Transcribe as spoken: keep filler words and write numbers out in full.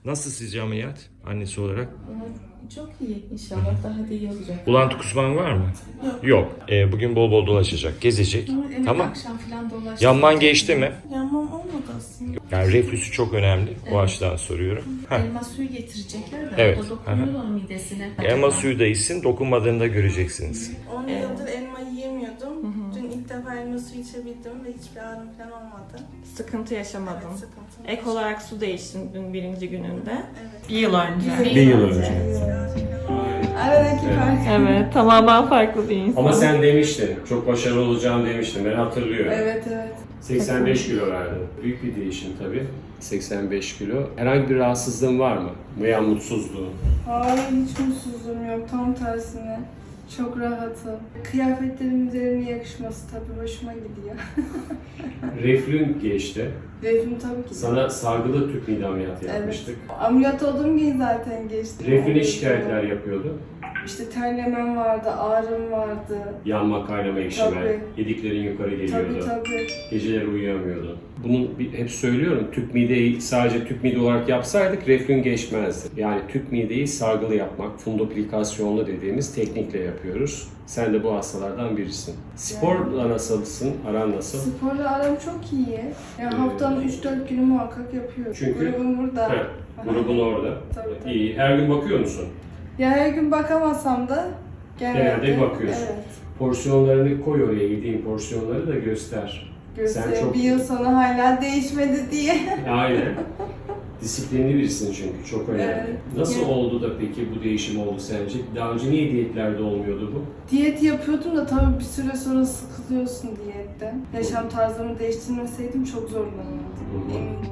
Nasıl sizce ameliyat annesi olarak? Çok iyi. İnşallah daha da iyi olacak. Bulantı kusman var mı? Yok. Yok. Ee, bugün bol bol dolaşacak, gezecek. Ama evet, Tamam. akşam falan dolaştık. Yanman geçti mi? Yanmam olmadı aslında. Yani reflüsü çok önemli. O Evet. açıdan soruyorum. Heh. Elma suyu getirecekler de Evet. o da dokunuyor onun midesine. Elma suyu da içsin, dokunmadığında göreceksiniz. on yıldır elma yiyemiyordum. Dün ilk defa elma suyu içebildim ve hiçbir ağrım falan olmadı. Sıkıntı yaşamadım. Evet, sıkıntı. Ek olarak su değiştim dün birinci gününde. Evet. Bir yıl önce. Bir yıl önce. Aradaki fark. Evet, tamamen farklı bir insan. Ama sen demiştin, çok başarılı olacağını demiştin, ben hatırlıyorum. Evet evet. seksen beş kilo verdin. Büyük bir değişim tabii. seksen beş kilo. Herhangi bir rahatsızlığın var mı? Veya mutsuzluğun? Hayır hiç mutsuzluğum yok. Tam tersine. Çok rahatım. Kıyafetlerimin üzerine yakışması tabii hoşuma gidiyor. Reflün geçti. Reflüm tabii ki. Sana sargılı tüp mide ameliyatı yapmıştık. Ameliyat olduğum gün zaten geçti. Reflüne şikayetler yapıyordu. İşte terlemem vardı, ağrım vardı. Yanma, kaynama, ekşime, Tabii. yediklerin yukarı Tabii geliyordu. tabii. Geceleri uyuyamıyordun. Bunu bir- hep söylüyorum, tüp mideyi sadece tüp mide olarak yapsaydık reflün geçmezdi. Yani tüp mideyi sargılı yapmak, fundoplikasyonlu dediğimiz teknikle yapıyoruz. Sen de bu hastalardan birisin. Sporla nasılsın? Aran nasıl? Sporla aram çok iyi. Yani Ee, haftanın üç dört günü muhakkak yapıyorum. Çünkü- Grubum burada. Heh, grubun orada. Tabii, tabii. İyi. Her gün bakıyor musun? Ya her gün bakamasam da genelde, Genelde bakıyorsun. Evet. Porsiyonlarını koy oraya, yediğin porsiyonları da göster. Gösteriyor. Sen çok- Bir yıl sonra hala değişmedi diye. Aynen. Disiplinli birisin çünkü, çok önemli. Evet. Nasıl Yani- oldu da peki bu değişim oldu sence? Daha önce niye diyetlerde olmuyordu bu? Diyet yapıyordum da tabii bir süre sonra sıkılıyorsun diyetten. Yaşam tarzımı değiştirmeseydim çok zorlanırdım. Hı hı. Eminim.